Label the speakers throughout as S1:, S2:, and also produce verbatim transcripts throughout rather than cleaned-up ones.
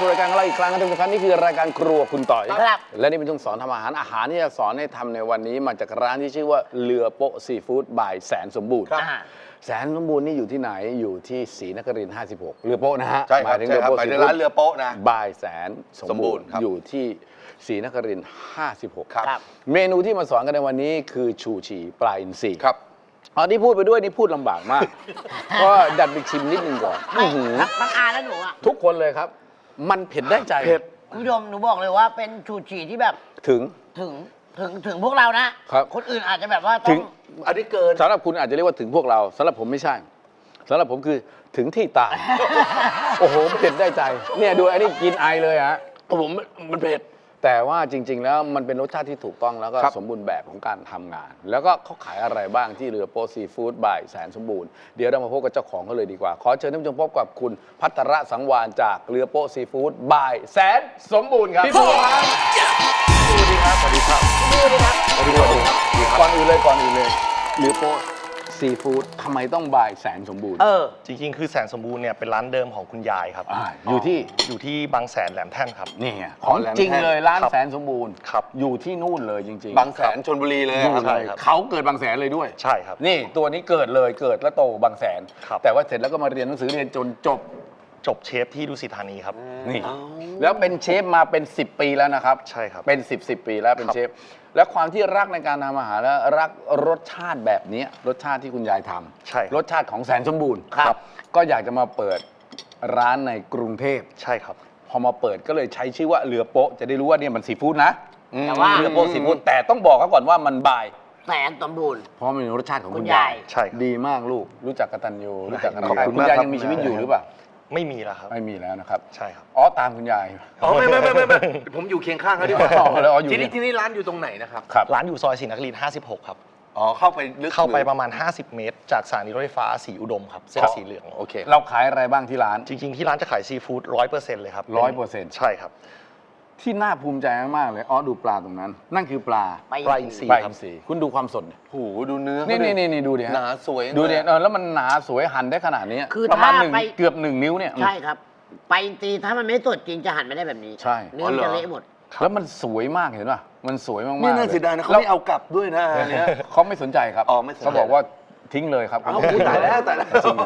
S1: สู่รายการของเราอีกครั้งนะทุกท่านนี่คือรายการครัวคุณต่อย
S2: ครับ
S1: และนี่เป็นช่วงสอนทำอาหารอาหารที่จะสอนให้ทำในวันนี้มาจากร้านที่ชื่อว่าเรือโป๊ะซีฟู้ดบายแสนสมบูรณ์
S2: ครับ
S1: แสนสมบูรณ์นี่อยู่ที่ไหนอยู่ที่ศรีนครินทร์ห้าสิบหกเรือโป๊ะนะฮะ
S3: ใช่ครับ
S1: หมายถึง
S3: ใช่
S1: เรือ
S3: ครับ
S1: โป๊ะ
S3: หมาย
S1: ซี
S3: ถึง
S1: ฟู้
S3: ร้า
S1: ด
S3: นเรือโป๊ะนะ
S1: บายแสนสมบูรณ์
S3: สมบูรณ์ครับ
S1: อยู่ที่ศรีนครินทร์ห้าสิบหก
S3: ครับ
S2: ครับ
S1: เมนูที่มาสอนกันในวันนี้คือชูชีปลาอินทรี
S3: ครับ
S1: อ๋อที่พูดไปด้วยนี่พูดลำบากมาก ก็ดัดไปชิมนิดนึงก่อน
S2: ไม่
S1: อื้อหือ
S2: ทั้งอาและหนูอ่ะ
S1: ทุกคนเลยครับ มันเผ็ดได้ใจ
S3: เผ็ด
S2: คุณผู้ชมหนูบอกเลยว่าเป็นชูชีที่แบบ
S1: ถึง
S2: ถึงถึงถึงพวกเรานะครับ คนอื่นอาจจะแบบว่าต้
S1: ถึ
S2: อง
S1: ง
S3: อันนี้เกิน
S1: สำหรับคุณอาจจะเรียกว่าถึงพวกเราสำหรับผมไม่ใช่สำหรับผมคือถึงที่ตาย โอ้โหเผ็ดได้ใจ เนี่ยดูอันนี้กินไอเลยฮะ
S3: ผมมันเผ็ด
S1: แต่ว่าจริง ๆ แล้วมันเป็นรสชาติที่ถูกต้องแล้วก็
S3: ครับ
S1: สมบูรณ์แบบของการทำงาน แล้วก็เขาขายอะไรบ้างที่เรือโป๊ะซีฟู้ดบายแสนสมบูรณ์เดี๋ยวเรามาพบกับเจ้าของเขาเลยดีกว่า ขอเชิญท่านผู้ชมพบกับคุณพัทรสังวานจากเรือโป๊ะซีฟู้ดบายแสนสมบูรณ์ครับ
S3: พี่บัวครับสวัสดีครับ สวัสดีครับ
S2: ดูดิครับ
S1: สวัสดีครับก่อนอื่นเลยก่อนอื่นเลยเรือโป๊ะซีฟู้ดทำไมต้องบายแสนสมบูรณ์
S2: เออ
S4: จริงๆ คือแสนสมบูรณ์เนี่ยเป็นร้านเดิมของคุณยายครับ
S1: อ่าอยู่ที่
S4: อยู่ที่บางแสนแหลมแท่นครับ
S1: นี่ไงของจริงเลยร้าน
S4: ครับ
S1: แสนสมบูรณ์
S4: ครับ
S1: อยู่ที่นู่นเลยจริงๆ
S3: บางแสนชลบุรีเลย
S1: นู่
S3: คน รับ
S1: เลย
S4: ครับ
S1: เขาเกิดบางแสนเลยด้วย
S4: ใช่ครับ
S1: นี่ตัวนี้เกิดเลยเกิดแล้วโตบางแสน
S4: ครับ
S1: แต่ว่าเสร็จแล้วก็มาเรียนหนังสือเรียนจนจบ
S4: จบเชฟที่ดุสิตธานีครับ
S1: นี่แล้วเป็นเชฟมาเป็น สิบ ปีแล้วนะครับ
S4: ใช่ครับ
S1: เป็น สิบ สิบ ปีแล้วเป็น
S4: ครับ
S1: เชฟและความที่รักในการทำอาหารและรักรสชาติแบบนี้รสชาติที่คุณยายทำ
S4: ใช่ครับ
S1: รสชาติของแสนสมบูรณ์
S2: ครับ
S1: ก็อยากจะมาเปิดร้านในกรุงเทพ
S4: ใช่ครับ
S1: พอมาเปิดก็เลยใช้ชื่อว่าเรือโป๊ะจะได้รู้ว่าเนี่ยมันซีฟู้ดนะ
S2: แต่ว่า
S1: เรือโป๊ะซีฟู้ดแต่ต้องบอกเขาก่อนว่ามันบาย
S2: แสนสมบูรณ์
S1: เพราะมันเป็นรสชาติของ
S2: คุ
S1: คุณ
S2: ณ
S1: ยาย
S2: าย ย
S4: ใช่ครับ
S1: ดีมากลูกรู้จักกตัญญูรู้จักกัน
S4: ขอบคุณ
S1: คุณ
S4: มาก
S1: ยาย
S4: ครับ
S1: ยังมีชีวิตอยู่หรือเปล่า
S4: ไม่มีแล้วครับ
S1: ไม่มีแล้วนะครับ
S4: ใช่ครับ
S1: อ๋อตามคุณยาย
S3: อ๋อไม่ไม่ไม่ไม่ไม่ผมอยู่เคียงข้างเขาดีกว่า
S1: อ๋อแล้วอ๋ออยู่
S3: ที่
S1: เนี่
S3: นี่
S1: ย
S3: ที่นี่ร้านอยู่ตรงไหนนะครับ
S1: ครับ
S4: ร้านอยู่ซอยศรีนครินทร์ห้าสิบหกครับ
S3: อ๋อเข้าไปลึก
S4: เข้าไป
S3: หรือ
S4: ประมาณ ห้าสิบ เมตร จากสถานีรถไฟฟ้าสีอุดมครับเส้นสีเหลือง
S3: โอเค
S1: เราขายอะไรบ้างที่ร้าน
S4: จริงๆ ที่ร้านจะขายซีฟู้ดร้อยเปอร์เซ็นต์เลยครับ
S1: ร้อยเปอร์เซ็นต์
S4: ใช่ครับ
S1: ที่น่าภูมิใจมากๆเลยอ๋อดูปลาตรงนั้น นั่นคือปลา
S2: ไป
S4: ปลาอินทรี
S1: ปลาอินทรีคุณดูความสดดิ
S3: โอ้โหดูเนื้อ
S1: นี่
S3: เขาดิ
S1: นี่นี่ดูดิฮะ
S3: หนาสวย
S1: ดูดิ
S3: เลย
S1: เออแล้วมันหนาสวยหั่นได้ขนาดนี้
S2: คือ
S1: ประมาณ
S2: ถ้า
S1: หนึ่ง
S2: ไป
S1: เกือบหนึ่งนิ้วเนี่ย
S2: ใช่ครับ ไปตีถ้ามันไม่สดจริงจะหั่นไม่ได้แบบนี้
S1: ใช่
S2: เนื้อมันจะเละหมด
S1: แล้วมันสวยมากเห็นป่ะมันสวยมากๆ
S3: นี่น่า
S1: ล
S3: เสียดายนะเขา
S1: แล้ว
S3: ไม่เอากลับด้วยนะอันเนี้ย
S1: เขาไม่สนใจครับ
S3: อ๋อไม่สนใจ
S1: เขาบอกว่าทิ้งเลยครับ
S3: เอาตายแล้วตายแล้ว
S1: จริง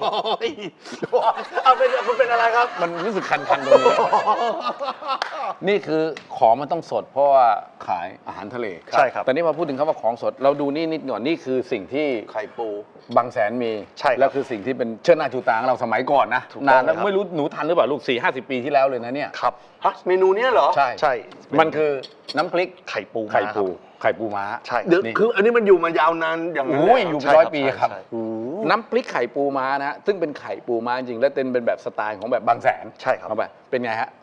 S3: เอาเป็นคุณเป็นอะไรครับ
S1: มันรู้สึกคันๆตรงนี้ นี่คือของมันต้องสด เพราะว่าขายอาหารทะเล
S4: ใช่ครับ
S1: แต่นี่พอพูดถึงคำว่าของสด เราดูนี่นิดหน่อยนี่คือสิ่งที่
S3: ไข่ปู
S1: บางแสนมี
S4: ใช่ครับ
S1: แล้วคือสิ่งที่เป็นเชิดหน้าชูตาของเราสมัยก่อนนะ
S4: ถูกต้อง
S1: นานแล้ว
S4: ครับ
S1: ไม่รู้หนูทันหรือเปล่าลูกสี่ห้าสิบปีที่แล้วเลยนะเนี่ย
S4: ครับ
S3: ฮะเมนูเนี้ยเหรอ
S1: ใช่
S4: ใช่
S1: มันคือน้ำพริก
S4: ไข่ปู
S1: ไข่ปู
S4: ม้าครับ
S1: ไข่ปูม้า
S4: ใช่
S3: เดี๋ยว
S1: นี่
S3: คืออันนี้มันอยู่มายาวนานอย่างนั้น
S1: โอ้ย
S3: เล
S1: อยู่
S3: เหร
S1: เป็นร้อยปีครับ
S4: ใช่
S1: น้ำพริกไข่ปูม้านะฮะซึ่งเป็นไข่ปูม้าจริงและเป็นเป็นแบบสไตล์ของแบบบางแสน
S4: ใช่ครับ
S1: เอาไปเป็นไงฮะ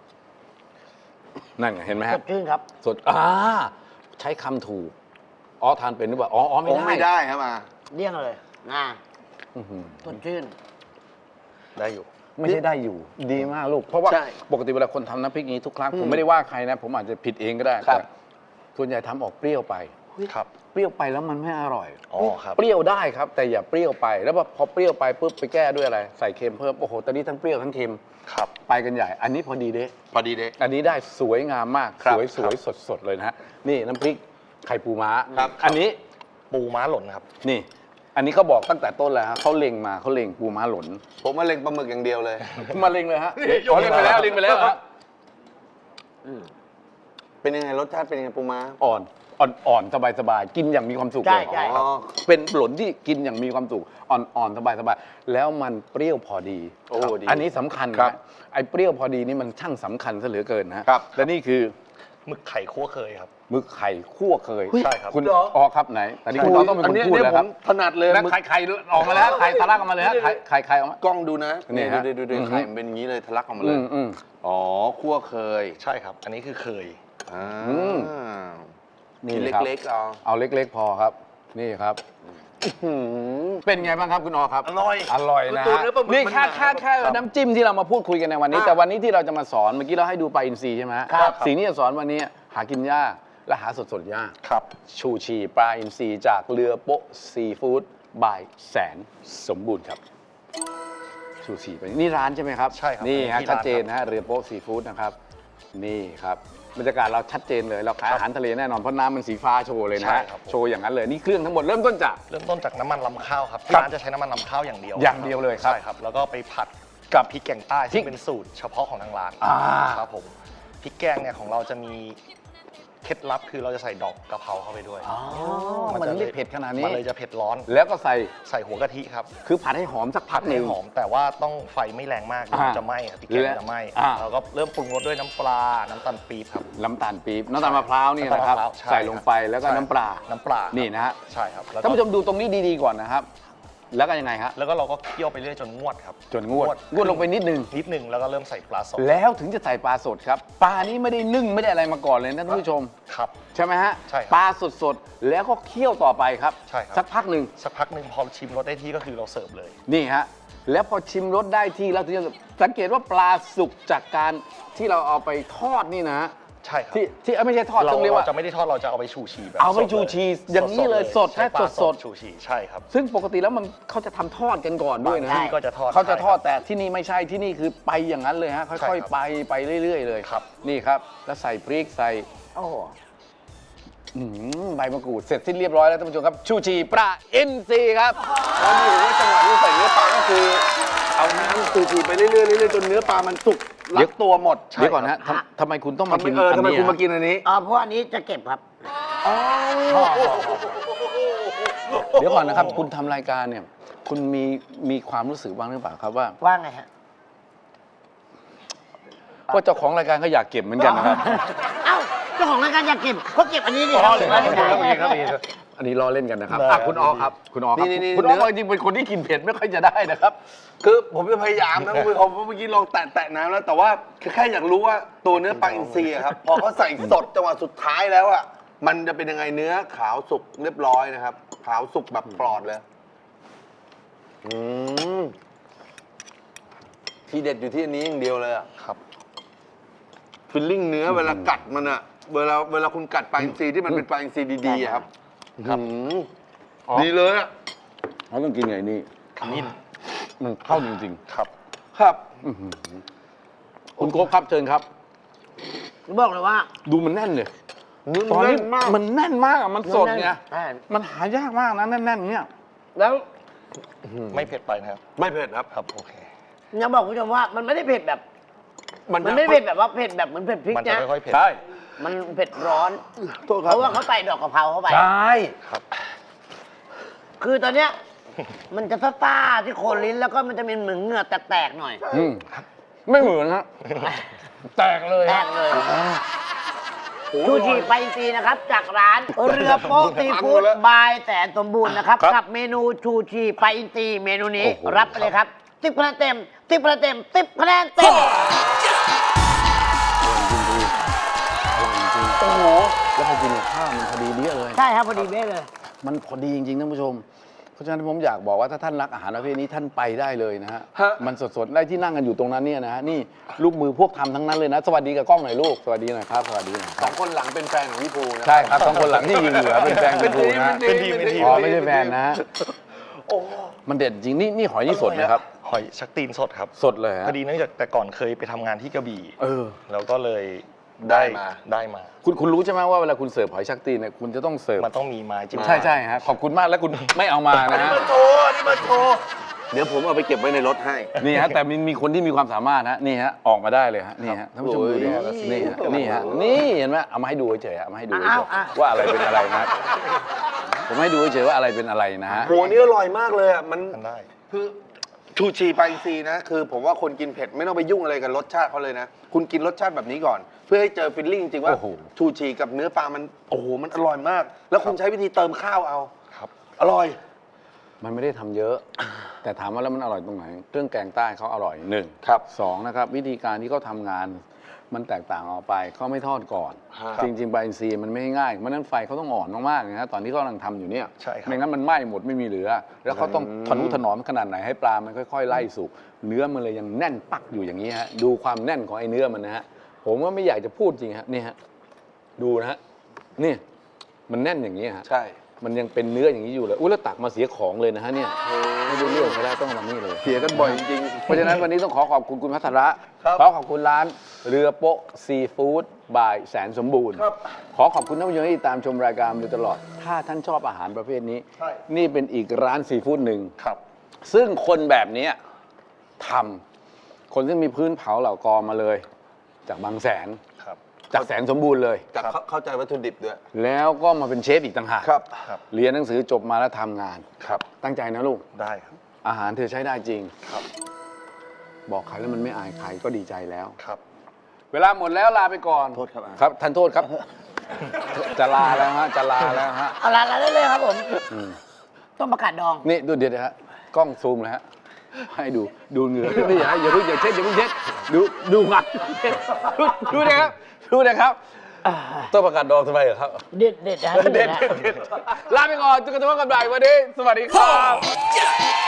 S1: นั่นไงเห็นไหม
S2: ส
S1: ฮะ
S2: ดชื่นครับ
S1: สดอ่าใช้คำถูกอ๋อทานเป็นหรือเปล่าอ๋ออ๋อ
S3: โอ้
S1: ไม่
S3: ไม่
S1: ได้
S3: ได้ครับมา
S2: เลี่ยงเลยนะ
S1: อื้อหือ
S2: สดชื่น
S4: ได้อยู่
S1: ไม่ใช่ได้อยู่ ดีมากลูก เพราะว่า
S3: ใช่
S1: ปกติเวลาคนทำน้ำพริกนี้ทุกครั้ง
S3: อืม
S1: ผมไม่ได้ว่าใครนะ ผมอาจจะผิดเองก็ได้
S3: ครับ
S1: แต่ส่วนใหญ่ทำออกเปรี้ยวไป
S4: ครับ
S1: เปรี้ยวไปแล้วมันไม่อร่อย
S4: อ๋อครับ
S1: เปรี้ยวได้ครับ แต่อย่าเปรี้ยวไป แล้วพอเปรี้ยวไปปุ๊บไปแก้ด้วยอะไร ใส่เค็มเพิ่มโอ้โหตอนนี้ทั้งเปรี้ยวทั้งเค็ม
S4: ครับ
S1: ไปกันใหญ่ อันนี้พอดีเด้
S3: พอดีเด้
S1: อันนี้ได้สวยงามมาก
S3: ครั
S1: ส
S3: บ
S1: วยสวยสดสดเลยนะฮะนี่น้ำพริกไข่ปูม้า
S3: ครับ
S1: อันนี้
S4: ปูม้าหล่นครับ
S1: นี่ อันนี้เขาบอกตั้งแต่ต้นแล้วฮะเขาเล็งมาเขาเล็งปูม้าหล่น
S3: ผมมาเล็งปลาหมึกอย่างเดียวเลย
S1: มาเล็งเลยฮะอ๋อเล็งไปแล้วเล็งไปแล้วฮะ
S2: อืม
S3: เป็นยังไงรสชาติเป็นยังไงปูม้า
S1: อ่อนอ่อนอ่อนสบายสบายกินอย่างมีความสุข
S2: ใช่
S1: เลย
S2: ใช่
S3: อ๋อ
S1: เป็นหล่นที่กินอย่างมีความสุขอ่อนอ่อนสบายสบายแล้วมันเปรี้ยวพอดี
S3: โอ้
S1: ครับ
S3: ดี
S1: อันนี้สำคัญ
S3: ครั
S1: นะ
S3: บ
S1: ไอ้เปรี้ยวพอดีนี่มันช่างสำคัญซะเหลือเกินนะฮะและนี่คือ
S4: หมึกไข่คั่วเคยครับ
S1: หมึกไข่คั่วเคย
S4: ใช่ครับ
S1: คุณ
S3: เหรอ
S1: อ๋อครับไหนแต่นี่คุณต้องเป็นคนพูดแล้วครับ
S3: ถนัดเลย
S1: นะ
S3: มึก
S1: ไข่ไข่ออกมาแล้วไข่ทะลักออกมาเลยฮะไข่ไข่ไข่ออกมาก
S3: ล้องดูนะ
S1: นี่
S3: นี่
S1: ฮะ
S3: ดูดูดู
S1: อือฮึ
S3: ไข่มันเป็นอย่างนี้เลยทะลักออกมาเล
S1: อื
S3: ย
S1: มอืม
S3: อ๋อคั่วเคย
S4: ใช่ครับ อันนี้คือเคย
S3: อ่า
S1: อืม
S3: ชิ้น
S1: นี่ครับ
S3: เล็กๆเอา
S1: เอาเล็กๆพอครับ นี่ครับเป็นไงบ้างครับคุณออครับ
S3: อร่อย
S1: อร่อยนะ
S3: ตัว
S1: ฮะ
S3: เนื้อปลาหมึก
S1: นี่
S3: มัน
S1: แค่
S3: หนา
S1: แค่แค่น้ำจิ้มที่เรามาพูดคุยกันในวันนี้
S3: อ่ะ
S1: แต่วันนี้ที่เราจะมาสอนเมื่อกี้เราให้ดูปลาอินทรีใช่ไหมฮะ
S3: ครับ
S1: สิ่งที่จะสอนวันนี้หากินยากและหาสดสดๆยาก
S4: ครับ
S1: ชูชีปลาอินทรีจากเรือโป๊ะซีฟู้ดบายแสนสมบูรณ์ครับชูชีไปนี่ร้านใช่ไหมครับ
S4: ใช่ครับ
S1: นี่ฮะ
S4: ที่ร้าน
S1: ชัดเจนนะฮะเรือโป๊ะซีฟู้ดนะครับนี่ครับบรรยากาศเราชัดเจนเลยเราขายอาหารทะเลแน่นอนเพราะน้ำมันสีฟ้าโชว์เลยนะ
S4: ใช่
S1: ฮะ
S4: ครับผม
S1: โชว์อย่างนั้นเลยนี่เครื่องทั้งหมดเริ่มต้นจาก
S4: เริ่มต้นจากน้ำมันลำข้าวครับที่
S1: ครับ
S4: ร้านจะใช้น้ำมันลำข้าวอย่างเดียว
S1: อย่างเดียวเลยครับ
S4: ใช่ครับแล้วก็ไปผัด
S1: กั
S4: กับ บพริกแกงใต้
S1: พริ
S4: ซึ่
S1: ก
S4: งเป็นสูตรเฉพาะของทางร้าน
S1: อ่า
S4: ครับผมพริกแกงเนี่ยของเราจะมีเคล็ดลับคือเราจะใส่ดอกกะเพราเข้าไปด้วย
S1: อ๋อมัน
S4: จะ
S1: ไม่เผ็ดขนาดนี้
S4: มันเลยจะเผ็ดร้อน
S1: แล้วก็ใส่
S4: ใส่หัวกะทิครับ
S1: คือผัดให้หอมสักพั
S4: ผั
S1: ก
S4: ด
S1: ห
S4: ให้
S1: นึ่ง
S4: หอมแต่ว่าต้องไฟไม่แรงมากเดี๋ยวมัน
S1: อ่า
S4: จะไหม้ครับพริกแกงมันจะไหม้
S1: อ่า
S4: แล้วก็เริ่มปรุงรสด้วยน้ำปลาน้ำตาลปี๊บครับ
S1: น้ำตาลปี๊บน้ำตาลมะพร้าวนี่นะครับ
S4: ำตาลมะพร้าวช่
S1: ใส่ลงไปแล้วก็
S4: ใช่
S1: น้ำปลา
S4: น้ำปลา
S1: นี่นะฮะ
S4: ใช่ครับแล้วก็
S1: ท่านผู้ชมดูตรงนี้ดีๆก่อนนะครับ แล้วก็ยังไงฮะ
S4: แล้วก็เราก็เคี่ยวไปเรื่อยจนงวดครับ
S1: จนงวดงวดลงไปนิดนึง
S4: นิดนึงแล้วก็เริ่มใส่ปลาสด
S1: แล้วถึงจะใส่ปลาสดครับปลานี้ไม่ได้นึ่งไม่ได้อะไรมาก่อนเลยนะท่านผู้ชม
S4: ครับ
S1: ใช่ไหมฮะ
S4: ใช่ครับ
S1: ปลาสดๆแล้วก็เคี่ยวต่อไปครับ
S4: ใช่ครับ
S1: สักพักหนึ่ง
S4: สักพักหนึ่งพอชิมรสได้ที่ก็คือเราเสิร์ฟเลย
S1: นี่ฮะแล้วพอชิมรสได้ที่แล้วถึงจะสังเกตว่าปลาสุกจากการที่เราเอาไปทอดนี่นะฮะ
S4: ใช่ครับ
S1: ที่ที่เอ้ยไม่ใช่ทอด
S4: เรา
S1: ต้องเรียกว่า
S4: เราจะไม่ได้ทอดเราจะเอาไปชูชีแบบ
S1: เอาไป
S4: สดล
S1: ชูชีอย่างนี้เลยสด
S4: ใช้ปลา
S1: สดๆ
S4: ชูชีใช่ครับ
S1: ซึ่งปกติแล้วมันเขาจะทำทอดกันก่อนด้วยนะ
S4: บางที่ก็จะทอด
S1: เขาจะทอด
S4: ใช่ครับ
S1: แต่ที่นี่ไม่ใช่ที่นี่คือไปอย่างนั้นเลยฮะ
S4: ใช่
S1: ค่อย
S4: ครับ
S1: ๆไปไปเรื่อย ๆ เลย
S4: ครับ
S1: นี่ครับ แล้วใส่พริกใส่
S2: โอ้โห
S1: อื้อหือใบมะกรูดเสร็จสิ้นเรียบร้อยแล้วท่านผู้ชมครับชูชีปลาอินทรีครับแล้วนี่ผมว่าจังหวะที่ใส่เนื้อปลาก็คือเอาน้ำชูชีไปเรื่อยๆเรื่อยๆจนเนื้อปลามันสุกรัดตัวหมดเดี๋ยวก่อนนะทำทำไมคุณต้องมากิน
S3: เออทำไม
S1: อันนี้
S3: คุณมา
S1: ฮะ
S3: กินอันนี้
S2: อ๋อเพราะอันนี้จะเก็บครับ
S1: เดี๋ยวก่อนนะครับ คุณทำรายการเนี่ย คุณมีมีความรู้สึกบ้างหรือเปล่าครับว่า
S2: ว่าไงฮะ
S1: ว่าเจ้าของรายการก็อยากเก็บเหมือนกันนะครับ
S2: เอ้าเจ้าของรายการอยากเก็บเขาเก็บอันนี้ดิ
S1: อ๋อเหรอ
S2: ไม่ได้
S1: ครับอันนี้ล้อเล่นกันนะครับ
S4: ได้
S1: อ่ะคุณออครับ คุณออครับ
S3: นี่นี่
S1: คุณอ
S3: เนื้
S1: อ
S3: อ
S1: จริงๆเป็นคนที่กินเผ็ดไม่ค่อยจะได้นะครับ
S3: คือผมจะพยายามนะคุณผู้ชมเพราะเมื่อกี้ลองแตะแตะน้ำแล้ว แต่ว่าแค่อยากรู้ว่าตัวเนื้อปลาอินทรีอะครับ พอเขาใส่สดจังหวะสุดท้ายแล้วอ่ะมันจะเป็นยังไงเนื้อขาวสุกเรียบร้อยนะครับ ขาวสุกแบบปลอดเลยอืมทีเด็ดอยู่ที่อันนี้อย่างเดียวเลยอะ
S4: ครับ
S3: ฟิลลิ่งเนื้อเวลากัดมันอะเวลาเวลาคุณกัดปลาอินทรีที่มันเป็นปลาอินทรีดีๆอะครับ
S4: ครับ
S3: อืม
S1: อ๋อ
S3: ดีเลยอะ
S1: เขาต้องกินไงนี่
S4: ขมิ้น
S1: มันเข้าจริง
S4: ครับ
S3: ครับ
S1: ๆอื้อหือคุณโก๊กครับเชิญครับ
S2: บอกเลยว่า
S1: ดูมันแน่นเลย
S3: เนื้อ
S1: ตอน
S3: แน่
S1: นี้
S3: นมาก
S1: มันแน่นมากอ่ะมันสดไง
S2: ใช่
S1: มันหายากมากนะแน่นๆเนี่ย
S2: แล้ว
S4: ไม่เผ็ดไปนะครับ
S3: ไม่เผ็ดครับ
S4: ครับโอเค
S2: ยังบอกคุณผู้ชมว่ามันไม่ได้เผ็ดแบบ
S3: มัน
S2: มันไม่ได้เผ็ดแบบว่าเผ็ดแบบเหมือนเผ็ดพริก
S4: มันจะ
S2: นะ
S4: ค่อยๆเผ็ด
S1: ใช่
S2: มันเผ็ดร้อน
S3: โทษค
S2: เพ
S3: รับ
S2: ราะว่าเขาใส่ดอกกะเพราเข้าไป
S1: ใช่
S4: ครับ
S2: คือตอนเนี้ยมันจะซ่าๆที่โคนลิ้นแล้วก็มันจะมีเหมือนเหงื่อแตกๆหน่อย
S1: อืมไม่เหมือนฮะแตกเลย
S2: แต
S1: ฮะ
S2: กเลยชูชีไปอินทรีนะครับ จากร้านเรือโป๊ะซีฟู้ดบายแสนสมบูรณ์นะครับ กับเมนูชูชีไปอินทรีเมนูนี้รับไปเลยครับสิบคะแนนเต็มสิบคะแนนเต็มสิบคะแนนเต็ม
S1: โอ้โหแล้วพอกินกับข้าวมันพอดีเดี้ยเลย
S2: ใช่ครับพอดีเบ้เลย
S1: มันพอดีจริงๆท่านผู้ชม เพราะฉะนั้นผมอยากบอกว่าถ้าท่านรักอาหารประเภทนี้ท่านไปได้เลยนะฮะ
S3: ฮะ
S1: มันสดๆ ได้ที่นั่งกันอยู่ตรงนั้นเนี่ยนะฮะ นี่ลูกมือพวกทำทั้งนั้นเลยนะ สวัสดีกับกล้องหน่อยลูก สวัสดีหน่อยครับ สวัสดีหน่อยค
S3: ส
S1: รั
S3: อบ งคนหลังเป็นแฟนของพี่ภูนะ
S1: ใช่ครับสองคนหลังที่ยืนเหลือเป็นแฟนคุณครูนะฮะ
S4: เป็นทีมเป็นทีม
S1: อ๋อไม่ใช่แฟนนะฮะ
S3: โอ้
S1: มันเด็ดจริง นี่นี่หอยนี่สดนะครับ
S4: หอยชักตีนสดครับ
S1: สดเลยฮะ
S4: พอดีเนื่องจากแต่ก่อนเคยไปทำงานที่กระบี่
S1: เออ
S4: แล้วก็เลย
S3: ได้มา
S4: ได้มา
S1: คุณคุณรู้ใช่ไหมว่าเวลาคุณเสิร์ฟหอยชักตีนเนี่ยคุณจะต้องเสิร์ฟ
S4: มันต้องมีไม้จิ้ม
S1: ใช่ใช่ฮะ ขอบคุณมากแล้วคุณไม่เอามานะฮะ
S3: มาโชว์นี่มาโชว์เดี๋ยวผมเอาไปเก็บไว้ในรถให้
S1: นี่ฮะแต่มีมีคนที่มีความสามารถนะนี่ฮะออกมาได้เลยฮะนี่ฮะท่านผู้ชมดูดิฮะ
S3: โอ้ย
S1: นี่ฮะนี่ฮะนี่เห็นไหมเอามาให้ดูเฉยๆเอามาให้ดูเฉ
S2: อ้าวย อ่ะ
S1: ๆว่าอะไรเป็นอะไรนะผมให้ดูเฉยๆว่าอะไรเป็นอะไรนะฮะ
S3: โหนี่อร่อยมากเลยอ่ะมัน
S4: มันได้
S3: คือชูชีปลาอินทรีนะคือผมว่าคนกินเผ็ดไม่ต้องไปยุ่งอะไรกับรสชาติเขาเลยนะ คุณกินรสชาติแบบนี้ก่อน เพื่อให้เจอฟิลลิ่งจริงว่า
S1: โอ้โห
S3: ชูชีกับเนื้อปลามันโอ้โหมันอร่อยมาก แล้วคุณใช้วิธีเติมข้าวเอา
S4: ครับ
S3: อร่อย
S1: มันไม่ได้ทำเยอะ แต่ถามว่าแล้วมันอร่อยตรงไหนเครื่องแกงใต้เขาอร่อยหนึ่ง
S3: ครับ
S1: สองนะครับวิธีการที่เขาทำงานมันแตกต่างออกไปเขาไม่ทอดก่อน
S3: ฮะ
S1: จริงๆปลาอินทรีย์มันไม่ง่ายเพราะฉะนั้นไฟเขาต้องอ่อนมากๆนะฮะตอนที่เขากำลังทำอยู่เนี่ย
S4: ใช่ครับ
S1: ไม่งั้นมันไหม้หมดไม่มีเหลือ แล้วเขาต้องทนุถนอมขนาดไหนให้ปลามันค่อยๆไล่สุกเนื้อมันเลยยังแน่นปักอยู่อย่างนี้ฮะดูความแน่นของไอ้เนื้อมันนะฮะผมว่าไม่อยากจะพูดจริงฮะนี่ฮะดูนะฮะนี่มันแน่นอย่างนี้ฮะ
S3: ใช่
S1: มันยังเป็นเนื้ออย่างนี้อยู่เลยอุ้ยแล้วตักมาเสียของเลยนะฮะเนี่ยไม่ได้เรื่องเขาได้ต้องมานี่เลย
S3: เสียกันบ่อยจริง
S1: เพราะฉะนั้นวันนี้ต้องขอขอบคุณคุณพัทระ
S3: ครับ
S1: ขอขอบคุณร้านเรือโป๊ะซีฟู้ดบายแสนสมบูรณ์
S3: ครับ
S1: ขอขอบคุณท่านผู้ชมที่ตามชมรายการมาโดยตลอด ถ้าท่านชอบอาหารประเภทนี้
S3: ใช่
S1: นี่เป็นอีกร้านซีฟู้ดหนึ่ง
S4: ครับ
S1: ซึ่งคนแบบเนี้ยทำคนที่มีพื้นเผาเหล่ากอมาเลย จากบางแสน
S4: ครับ
S1: จากแสนสมบูรณ์เลย
S3: จากเข้าเข้าใจวัตถุดิบด้วย
S1: แล้วก็มาเป็นเชฟอีกต่างหาก
S3: ครับ
S4: ครับ
S1: เรียนหนังสือจบมาแล้วทำงาน
S3: ครับ
S1: ตั้งใจนะลูก
S4: ได้ครับ
S1: อาหารเธอใช้ได้จริง
S4: ครับ
S1: บอกใครแล้วมันไม่อายใครก็ดีใจแล้ว
S4: ครับ
S1: เวลาหมดแล้วลาไปก่อน
S3: โทษครับ
S1: ครับท่านโทษครับ จะลาแล้วฮะจะลาแล้วฮะ
S2: เอาละละได้เลยครับผม
S1: อืม
S2: ต้มประกาศดอง
S1: นี่ดูเดี๋ยวนะฮะกล้องซูมเลยฮะให้ดูดูเหงื่อไม่อย่าอย่าเพิ่งอย่าเช็ดอย่าเพิ่งเช็ดดูดูงานดูดูนะครับดูนะครับต้องประกาศดองทำไมเหรอครับ
S2: เด็ดเด็ดนะ
S1: เด็ดเด็ดเด็ดลาไปก่อนจุกกระตุ้นกันบ่ายวันนี้สวัสดีครับ